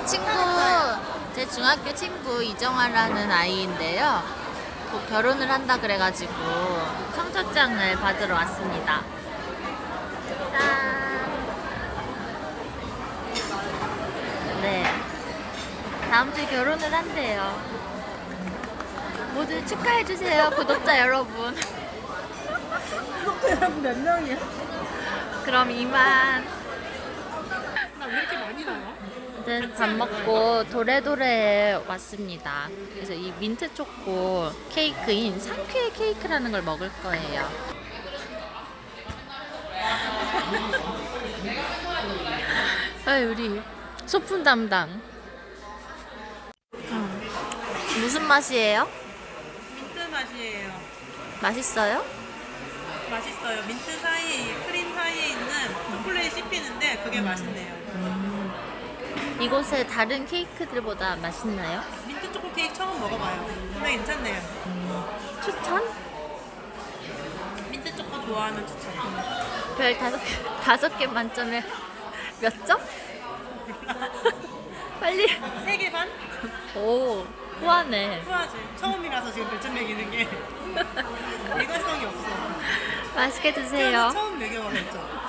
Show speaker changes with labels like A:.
A: 제 중학교 친구 이정아라는 아이인데요. 곧 결혼을 한다 그래가지고 청첩장을 받으러 왔습니다. 짠! 네. 다음 주에 결혼을 한대요. 모두 축하해주세요, 구독자 여러분.
B: 구독자 여러분 몇 명이야?
A: 그럼 이만.
B: 나 왜 이렇게 많이 나와?
A: 아무튼 밥 먹고 도레도레에 왔습니다. 그래서 이 민트 초코 케이크인 상쾌 케이크라는 걸 먹을 거예요. 아, 우리 소품 담당. 무슨 맛이에요?
B: 민트 맛이에요.
A: 맛있어요?
B: 맛있어요. 민트 사이에, 크림 사이에 있는 초콜릿이 씹히는데 그게 맛있네요.
A: 이곳의 다른 케이크들보다 맛있나요?
B: 민트 초코 케이크 처음 먹어봐요. 근데 괜찮네요.
A: 추천?
B: 민트 초코 좋아하면 추천.
A: 별 5개 만점에 몇 점? 빨리.
B: 3개 반?
A: 오, 후하네.
B: 후하지. 처음이라서 지금 별점 매기는 게 일관성이 없어.
A: 맛있게
B: 태어나
A: 드세요.
B: 처음 매겨봐 별점.